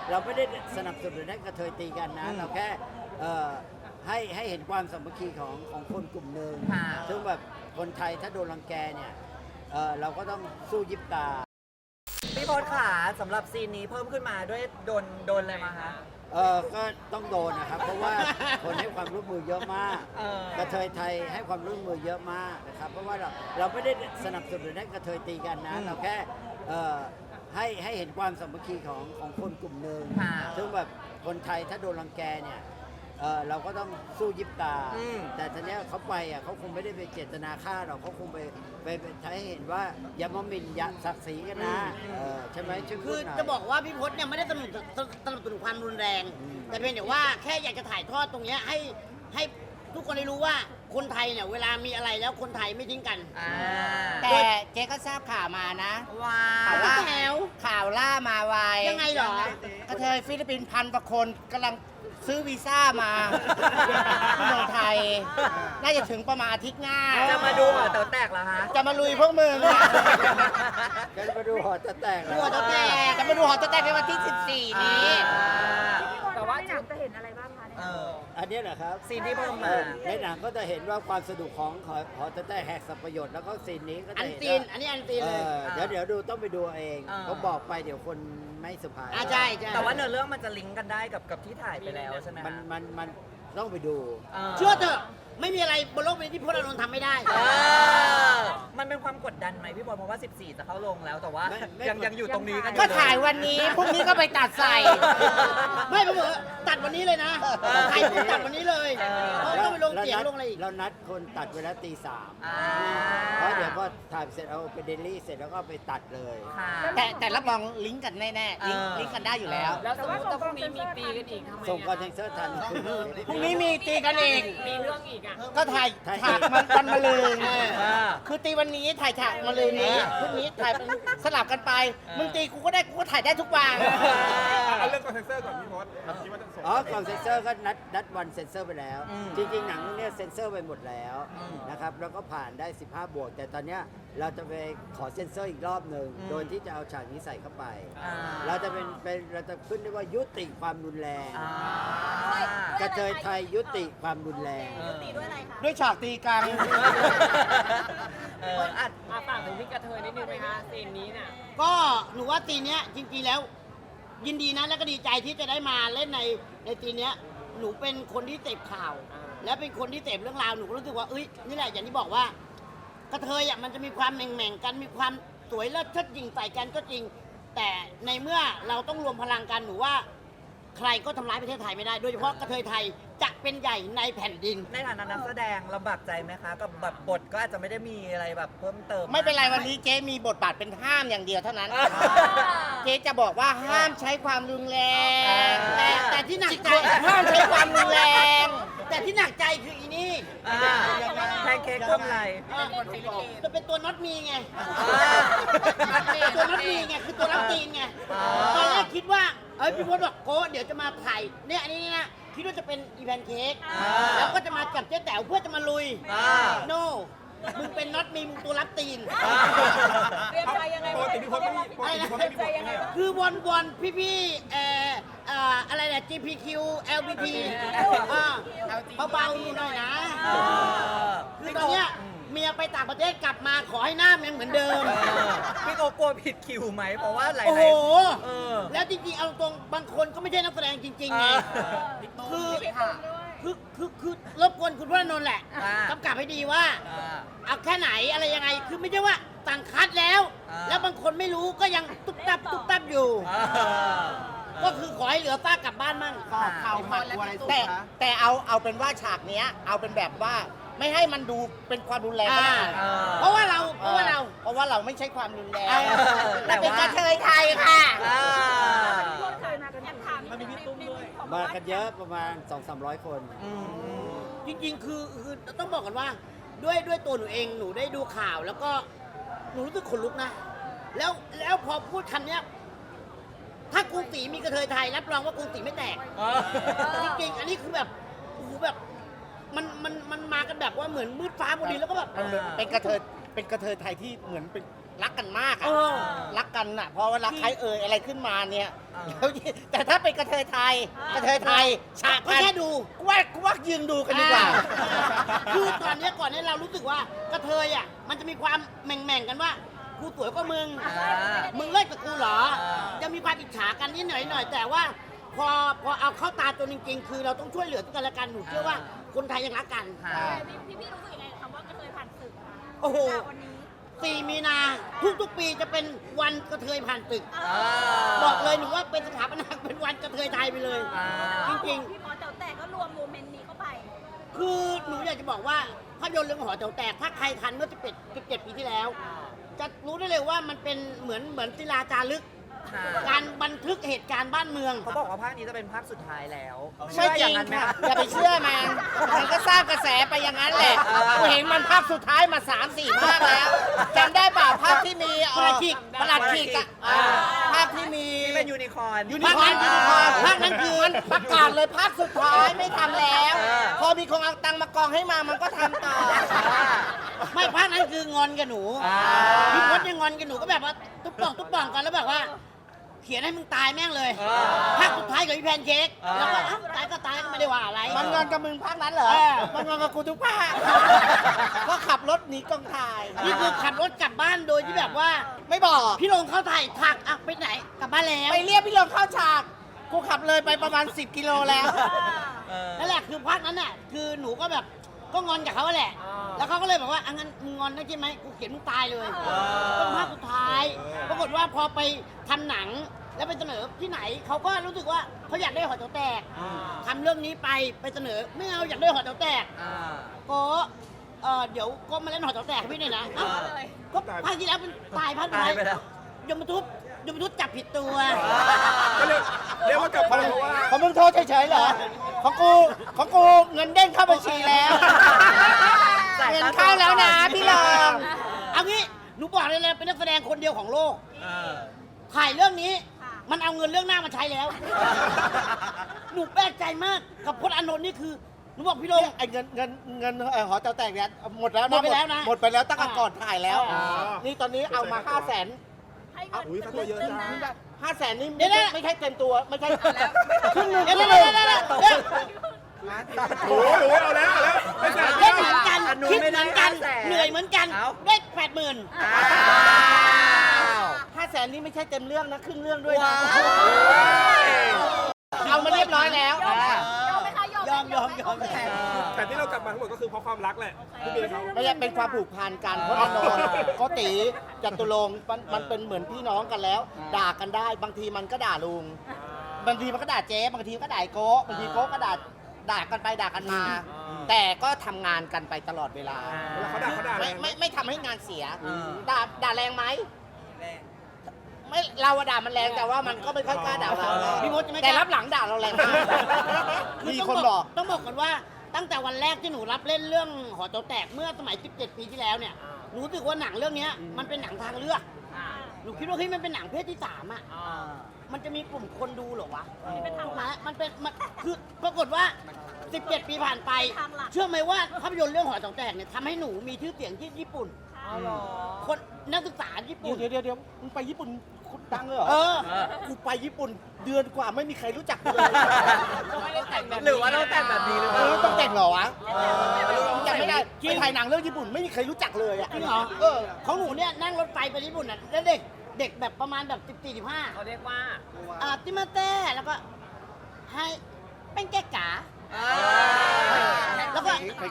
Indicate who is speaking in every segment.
Speaker 1: เราไม่ได้สนับสนุนให้กระเทยตีกันนะเราแค่ให้เห็นความสามัคคีของคนกลุ่มหนึ่งซึ่งแบบคนไทยถ้าโดนรังแกเนี่ยเราก็ต้องสู้ยิบตา
Speaker 2: พี่พศขาสำหรับซีนนี้เพิ่มขึ้นมาด้วยโดนอะไรมาคะ
Speaker 1: ก็ต้องโดนนะครับเพราะว่าคนให้ความร่วมมือเยอะมากกระเทยไทยให้ความร่วมมือเยอะมากนะครับเพราะว่าเราไม่ได้สนับสนุนให้กระเทยตีกันนะเราแค่ให้เห็นความสามัคคีของคนกลุ่มหนึ่งซึ่งแบบคนไทยถ้าโดนรังแกเนี่ยเราก็ต้องสู้ยิบตาแต่ทีนี้เขาไปเขาคงไม่ได้ไปเจตนาฆ่าเราเขาคงไปใช้ให้เห็นว่าอย่ามาหมิ่นอย่าศักดิ์ศรีกันนะใช่ไหม
Speaker 3: คือจะบอกว่าพี่พศเนี่ยไม่ได้สนับสนุนความรุนแรงแต่เพียงแต่ว่าแค่อยากจะถ่ายทอดตรงนี้ให้ทุกคนได้รู้ว่าคนไทยเนี่ยเวลามีอะไรแล้วคนไทยไม่ทิ้งกัน
Speaker 4: แต่เจ๊ก็ทราบข่าวมานะ
Speaker 2: ว่า
Speaker 4: ข่าวล่ามาไว
Speaker 3: ยังไงหร
Speaker 4: อกระเทยฟิลิปปินส์1,000 กว่าคนกำลังซื้อวีซ่ามาที่เมืองไทยน่าจะถึงประมาณอาทิตย์หน้า
Speaker 2: จะมาดูหอแต๋วแตกเหรอฮะ
Speaker 4: จะมาลุยพวกมึง
Speaker 1: จะมาดูหอแต๋วแตก
Speaker 4: จะมาดูหอแต๋วแตกในวันที่14นี้
Speaker 5: แต่ว่าจะเห็นอะไรบ้างคะ
Speaker 1: อันนี้เหรอครับ
Speaker 2: ซีนที่เพิ่มมา
Speaker 1: ในหนังก็จะเห็นว่าความสนุกของหอแต๋วแตกแหกสับประโยชน์แล้วก็ซีนนี้ก็จะเห็น
Speaker 3: อันนี้อันตีนเลย
Speaker 1: เดี๋ยวดูต้องไปดูเองเขาบอกไปเดี๋ยวคนไม่สุภาพ
Speaker 3: ใช่
Speaker 2: แต่ว่าเนื้อเรื่องมันจะลิงก์กันได้กับที่ถ่ายไปแล้วใช่ไหม
Speaker 1: มันต้องไปดู
Speaker 3: เชื่อเถอะไม่มีอะไรบนโลกนี้ที่พลอานนท์ทำไม่ได้
Speaker 2: มันเป็นความกดดันไหมพี่บอลเพราะว่า14จะเข้าลงแล้วแต่ว่ายังอยู่ตรงนี้กัน
Speaker 4: ก็ถ่ายวันนี้พรุ่งนี้ก็ไปตัดใส่
Speaker 3: ไม่ผมบอกตัดวันนี้เลยนะถ่ายตัดวันนี้เลยเพราะต้องไปลงเสียงลงอะไรอีก
Speaker 1: เรานัดคนตัดเวลาตี 3เพราะเดี๋ยวพอถ่ายเสร็จเอาไปเดลี่เสร็จแล้วก็ไปตัดเลย
Speaker 4: แต่รับรองลิงก์กันแน่ๆลิงก์กันได้อยู่แล้ว
Speaker 5: แล้วสมมติว่าพรุ่งนี้มีตีกันอีกทำไม
Speaker 1: ส่งคอนเทนเซอร์ทัน
Speaker 4: พรุ่งนี้มีตีกันอีก
Speaker 5: มีเรื่องอีก
Speaker 4: ก็ถ่ายฉากมันมาลืนคือตีวันนี้ถ่ายฉากมาลืนนี้พรุ่งนี้ถ่ายสลับกันไปมึงตีกูก็ได้กูก็ถ่ายได้ทุกวัน
Speaker 6: เอาเรื่องคอนเซนเซอร์ก่อนพี่พศ
Speaker 1: ก่อนเซนเซอร์ก็นัดวันเซนเซอร์ไปแล้วจริงๆหนังเรื่องนี้เซนเซอร์ไปหมดแล้วนะครับแล้วก็ผ่านได้15 บวกแต่ตอนเนี้ยเราจะไปขอเซนเซอร์อีกรอบหนึ่งโดยที่จะเอาฉากนี้ใส่เข้าไปเราจะเราจะขึ้นได้ว่ายุติความรุนแรงกระเทยไทยยุติความรุนแรง
Speaker 4: ด้วยฉากตีกัน
Speaker 5: ฝากถึงพี่กระเทยนิดนึงไหมคะซีนนี้น่ะ
Speaker 3: ก็หนูว่าซีนนี้จริงๆแล้วยินดีนะแล้วก็ดีใจที่จะได้มาเล่นในซีนนี้หนูเป็นคนที่เสพข่าวและเป็นคนที่เสพเรื่องราวหนูก็รู้สึกว่านี่แหละอย่างที่บอกว่ากระเทยมันจะมีความแหม่งๆกันมีความสวยเลิศเชิดหยิ่งใส่กันก็จริงแต่ในเมื่อเราต้องรวมพลังกันหนูว่าใครก็ทำร้ายประเทศไทยไม่ได้โดยเฉพาะกระเทยไทยจะเป็นใหญ่ในแผ่นดิน
Speaker 2: ในฐานะนักแสดงลำบากใจไหมคะกับแบบบทก็อาจจะไม่ได้มีอะไรแบบเพิ่มเติม
Speaker 4: ไม่เป็นไรวันนี้เจ๊มีบทบาทเป็นห้ามอย่างเดียวเท่านั้นเจ๊จะบอกว่าห้ามใช้ความรุนแรง
Speaker 3: แต่ที่หนักใจ
Speaker 4: ห้ามใช้ความรุนแรง
Speaker 3: แต่ที่หนักใจคืออีนี่
Speaker 2: แพนเค้กก้มไหล
Speaker 3: จะเป็นตัวน็อตมีไงตัวน็อตมีไงคือตัวรับตีนไงตอนแรกคิดว่าพี่พศบอกโก้เดี๋ยวจะมาถ่ายเนี่ยอันนี้นะคิดว่าจะเป็นอีแพนเค้กแล้วก็จะมากับเจ๊แต๋วเพื่อจะมาลุยโน่มึงเป็นน็อตมีมึงตัวรับตีน
Speaker 5: เตรียมใจยังไงวะ
Speaker 3: คือวนพี่อะไรเนี่ย GPQ LBT เบาๆหน่อยนะคือตอนเนี้ยเมียไปต่างประเทศกลับมาขอให้หน้ายังเหมือนเดิม
Speaker 2: พี่โกกลัวผิดคิวไหมเพราะว่าหลายๆ
Speaker 3: โอ้โหแล้วจริงๆเอาตรงบางคนก็ไม่ใช่นักแสดงจริงๆไงคือรบกวนคุณพลอานนท์แหละกำกับให้ดีว่าเอาแค่ไหนอะไรยังไงคือไม่ใช่ว่าสั่งคัดแล้วบางคนไม่รู้ก็ยังตุ๊บตับอยู่ก็คือขอให้เหลือป้ากลับบ้านมั่ง
Speaker 4: ข่าวผัดอะไรแต่เอาเป็นว่าฉากเนี้ยเอาเป็นแบบว่าไม่ให้มันดูเป็นความรุนแรง
Speaker 3: เพราะว่าเรา
Speaker 4: ไม่ใช่ความรุนแรงแต่เป็นกระเทยไทยค่ะ
Speaker 1: มากันเยอะประมาณ 200-300 คน
Speaker 3: จริงๆคือต้องบอกกันว่าด้วยตัวหนูเองหนูได้ดูข่าวแล้วก็หนูรู้สึกขนลุกนะแล้วพอพูดคำนี้ถ้ากรุงศรีมีกระเทยไทยรับรองว่ากรุงศรีไม่แตกจริงๆอันนี้คือแบบมันมากันแบบว่าเหมือนมืดฟ้าบนดินแล้วก็แบบ
Speaker 4: เป็นกระเทยไทยที่เหมือนเป็นรักกันมากอะ
Speaker 3: เออ
Speaker 4: รักกันอะเพราะว่ารักใครอะไรขึ้นมาเนี่ย
Speaker 2: เออ
Speaker 4: แล้วแต่ถ้าเป็นกระเทยไทยฉาก
Speaker 3: ก็แค่ดู
Speaker 4: กูว่ายืนดูกันดีกว่า
Speaker 3: คือก่อนเนี้ยเรารู้สึกว่ากระเทยอ่ะมันจะมีความแหม่งๆกันว่ากูสวยกว่ามึง มึงเลิกกับกูเหรอ จะมีความอิจฉากันนิดหน่อยแต่ว่าพอเอาเข้าตาตัวจริงๆ คือเราต้องช่วยเหลือกันและกันหนูเชื่อว่าคนไทยยังรักกัน
Speaker 2: ค่ะ
Speaker 7: พี่รู้สึกยังไงกับคำว่ากระเทยผ่านศึกคะ
Speaker 3: โอ้โห
Speaker 7: วันนี้
Speaker 3: 4 มีนาทุกๆปีจะเป็นวันกระเทยผ่านตึก
Speaker 2: อ่า
Speaker 3: บอกเลยหนูว่าเป็นสถาปนาเป็นวันกระเทยไทยไปเลย
Speaker 2: อ่า
Speaker 3: จริง
Speaker 7: พี่พอแต่ก็รวมโมเมนต์นี้เข้าไป
Speaker 3: ๆ คือหนูอยากจะบอกว่าภาพยนตร์เรื่องหอแถวแตกถ้าใครทันเมื่อ17 ปีที่แล้ว จะรู้ได้เลยว่ามันเป็นเหมือนศิลาจารึก
Speaker 2: ค่ะ
Speaker 3: การบันทึกเหตุการณ์บ้านเมือง
Speaker 2: เขาบอกว่าภาคนี้จะเป็นภาคสุดท้ายแล้ว
Speaker 4: ไม่จริง
Speaker 2: เชื่ออย่างนั้นไหม
Speaker 4: ค่ะ
Speaker 2: คะ
Speaker 4: อย่าไปเชื่อมันก็สร้างกระแสไปอย่างนั้นแหละ
Speaker 2: เออ
Speaker 4: กูเห็นมันภาคสุดท้ายมา 3-4 ภาคแล้วจำได้เปล่าภาคที่มี
Speaker 3: ประหลัดขิก
Speaker 4: ประหลัดขิกอะ
Speaker 2: อ่า
Speaker 4: ภาคที่มี
Speaker 2: ที่เป็นยูนิคอร์น
Speaker 4: ยูนิคอร์นภาคนั้นคือมันประกาศเลยภาคสุดท้ายไม่ทำแล้ว
Speaker 2: เออ
Speaker 4: พอมีคนเอาตังค์มากองให้มามันก็ทำต่อ
Speaker 3: ไม่ภาคนั้นคืองอนกับหนู
Speaker 2: อ่า
Speaker 3: พี่พจน์ยังงอนกับหนูก็แบบว่าตุ๊บป่องกันแล้วแบบว่า เขียนให้มึงตายแม่งเลย
Speaker 2: เออ
Speaker 3: ภาคสุดท้ายกับพี่แพนเค้ก
Speaker 2: เออ
Speaker 3: แล้วก็เอ้าตายก็ตายก็ไม่ได้ว่าอะไร
Speaker 4: มันงอนกับมึงภาคนั้นเหรอ
Speaker 3: เออ
Speaker 4: มันงอนกับกูทุกภาคก็ขับรถหนีกองถ่าย
Speaker 3: นี่คือขับรถกลับบ้านโดยที่แบบว่า
Speaker 4: ไม่บอก
Speaker 3: พี่ลงเข้าถ่ายถักอ่ะไปไหนกลับบ้านแล้ว
Speaker 4: ไปเรียกพี่ลงเข้าฉากกูขับเลยไปประมาณ 10 กิโลแล้ว
Speaker 2: เออ
Speaker 3: นั่นแหละคือภาคนั้นน่ะคือหนูก็แบบก็งอนกับเขาแหละ แล้วเขาก็เลยบอกว่าอ่ะงั้นมึงงอนได้ใช่ไหมกูเขียนมึงตายเลยเป็นภาคสุดท้าย ปรากฏว่าพอไปทำหนังแล้วไปเสนอที่ไหนเขาก็รู้สึกว่าเขาอยากได้หอแถวแตกทำเรื่องนี้ไปเสนอไม่เอาอยากได้หอแถวแตก
Speaker 2: อ่า
Speaker 3: ก็เดี๋ยวก็มาเล่นหอแถวแตกให้พี่หน่อยนะเอ้า
Speaker 2: เลย
Speaker 3: ก็ภาคที่แล้วเป็นตายภาคสุด
Speaker 2: ตาย
Speaker 3: ท้าย
Speaker 2: ไปแล้ว
Speaker 3: ยมทุบจับผิดตัว
Speaker 6: ก็เรียกว่ากลับมาเพราะว่า
Speaker 4: ของมึงโทษเฉยๆเหรอ ของกูเงินเด้งเข้าบัญชีแล้ว
Speaker 2: จ่าย
Speaker 4: เงิน
Speaker 2: ค่า
Speaker 4: เข้าแล้วนะพี่ลอง
Speaker 3: เอางี้หนูบอกเลยนะเป็นนักแสดงคนเดียวของโลก
Speaker 2: เออ
Speaker 3: ถ่ายเรื่องนี้ มันเอาเงินเรื่องหน้ามาใช้แล้ว หนูแปลกใจมากกับพจน์อานนท์นี่คือหนูบอกพี่ลง
Speaker 4: ไอ้เงินหอเจ้าแตกเนี่ยหมดแล้ว
Speaker 3: หมดไปแล้วนะ
Speaker 4: หมดไปแล้วตั้งแต่ก่อนถ่ายแล้ว
Speaker 3: อ่า
Speaker 4: นี่ตอนนี้เอามา500,000
Speaker 7: ให้เงิน
Speaker 6: อุ้ยค่าตัวเยอะจัง
Speaker 4: 500,000นี่
Speaker 3: เดี๋ยวนะ
Speaker 4: ไม่ใช่เต็มตัวไม่ใช่
Speaker 3: ครึ่งหนึ่งเดี๋ยว
Speaker 6: โอ้ยเอาแล้วไม่ใช่
Speaker 3: เล่นเหมือนกัน
Speaker 2: อันนู้น
Speaker 3: คิด
Speaker 2: ไม่
Speaker 3: เห
Speaker 2: ได้
Speaker 3: มือนกัน
Speaker 2: 500,000
Speaker 3: เหนื่อยเหมือนกัน
Speaker 2: เอ้า
Speaker 3: ได้80,000
Speaker 2: อ้าว
Speaker 4: 500,000นี่ไม่ใช่เต็มเรื่องนะครึ่งเรื่องด้วยนะ
Speaker 2: ว้าว
Speaker 4: เอามาเรียบร้อยแล้ว
Speaker 7: ยอมไหมคะยอมไห
Speaker 3: ยอม
Speaker 6: แต่ที่เรากลับมาทั้งหมดก็คือเพราะความรักแหละพี่เบย์เขา
Speaker 4: ไม่ใช่เป็นความผูกพันกันเพราะอานนท์โกติจตุรงค์มันเป็นเหมือนพี่น้องกันแล้ว ด่ากันได้บางทีมันก็ด่าลุง บางทีมันก็ด่าเจ๊บางทีก็ด่าไอ้โก้บางทีโก้ก็ด่ากันไปด่ากันมา แต่ก็ทำงานกันไปตลอดเวลา
Speaker 6: เวลาเขาด่าแรงไหม
Speaker 4: ไม่ทำให้งานเสีย
Speaker 2: อืม
Speaker 4: ด่าแรงไหมไม่เราอะด่ามันแรงแต่ว่ามันก็ไม่ค่อยกล้าด่าเรา
Speaker 3: พี่มดจะไม่กล้า
Speaker 4: แต่รับหลังด่าเราแรงมากมีคนบอก
Speaker 3: ต้องบอกก่อนว่าตั้งแต่วันแรกที่หนูรับเล่นเรื่องหอแถวแตกเมื่อสมัย 17 ปีที่แล้วเนี่ยหนูรู้สึกว่าหนังเรื่องเนี้ยมันเป็นหนังทางเลือกหนูคิดว่าเฮ้ยมันเป็นหนังเพศที่3อ่ะมันจะมีกลุ่มคนดูเหรอวะถูกไหมมันคือปรากฏว่า 17 ปีผ่านไป เชื่อไหมว่าภาพยนตร์เรื่องหอแถวแตกเนี่ยทำให้หนูมีชื่อเสียงที่ญี่ปุ่น คนนักศึกษาญี่ปุ่น
Speaker 4: เดี๋ยวมึงไปญี่ปุ่นคุณดังเลยเหรอ
Speaker 3: เออ
Speaker 4: กูไปญี่ปุ่นเดือนกว่าไม่มีใครรู้จักกูเลย
Speaker 2: หรือว่าต้องแต่งแบบนี้หรือเปล่า
Speaker 4: ต้องแต่งเหรอวะจำไม่ได้ไปถ่ายหนังเรื่องญี่ปุ่นไม่มีใครรู้จักเลยอ่ะ
Speaker 3: จริงเหรอ ของหนูเนี่ยนั่งรถไฟไปญี่ปุ่นน่ะแล้วเด็กแบบประมาณแบบ14-15
Speaker 5: เขาเรียกว่า
Speaker 3: ติมาเต้แล้วก็ให้เป็นเก๊กกาแล้วก็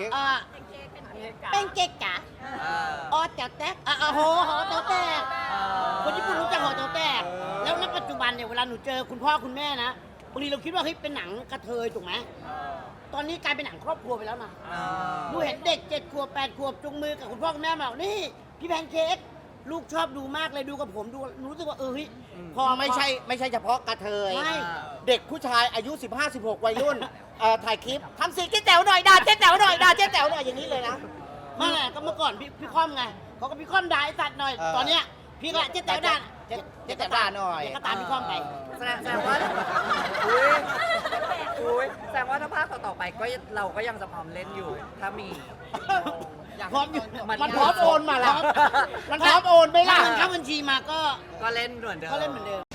Speaker 3: เป็นเก๊กกาอ๋อแต๋วแตกโหแต๋วแตกคนญี่ปุ่นรู้จักหอแต๋วแตกแล้วณปัจจุบันเนี่ยเวลาหนูเจอคุณพ่อคุณแม่นะบางทีเราคิดว่าเฮ้ยเป็นหนังกระเทยถูกไหมตอนนี้กลายเป็นหนังครอบครัวไปแล้วนะหนูเห็นเด็ก7 ขวบ 8 ขวบจุงมือกับคุณพ่อคุณแม่มาบอกนี่พี่แพนเค้กลูกชอบดูมากเลยดูกับผมดูรู้สึกว่าเฮ้ยพอ
Speaker 4: ไม่ใช่เฉพาะกระเทย
Speaker 3: ใช่
Speaker 4: เด็กผู้ชายอายุ 15-16 วัยรุ่นถ่ายคลิปทำสีเจ๊แต๋วหน่อยด่าเจ๊แต๋วหน่อยด่าเจ๊แต๋วหน่อยอย่างนี้เลยนะ
Speaker 3: ไม่แหละก็เมื่อก่อนพี่ค่อมไงเขาก็พี่ค่อมด่าไอ้สัตว์หน่อย ตอนเนี้ยพี่ก็เจ๊แต๋วด่า
Speaker 4: เจ๊แต๋วด่าหน่อย
Speaker 3: เดี๋ยวก็ตามพี่ค่อมไป
Speaker 2: แสดงว่าแสดงว่าถ้าภาคต่อๆไปก็เราก็ยังจะพร้อมเล่นอยู่ถ้ามี
Speaker 3: พร้อมอยู่
Speaker 4: มันพร้อมโอนมาละมันพร้อมโอนไหมล่ะ
Speaker 3: ถ้าเงินเข้าบัญชีมาก็
Speaker 2: ก็เล่นเหมือนเดิม
Speaker 3: ก็เล่นเหมือนเดิม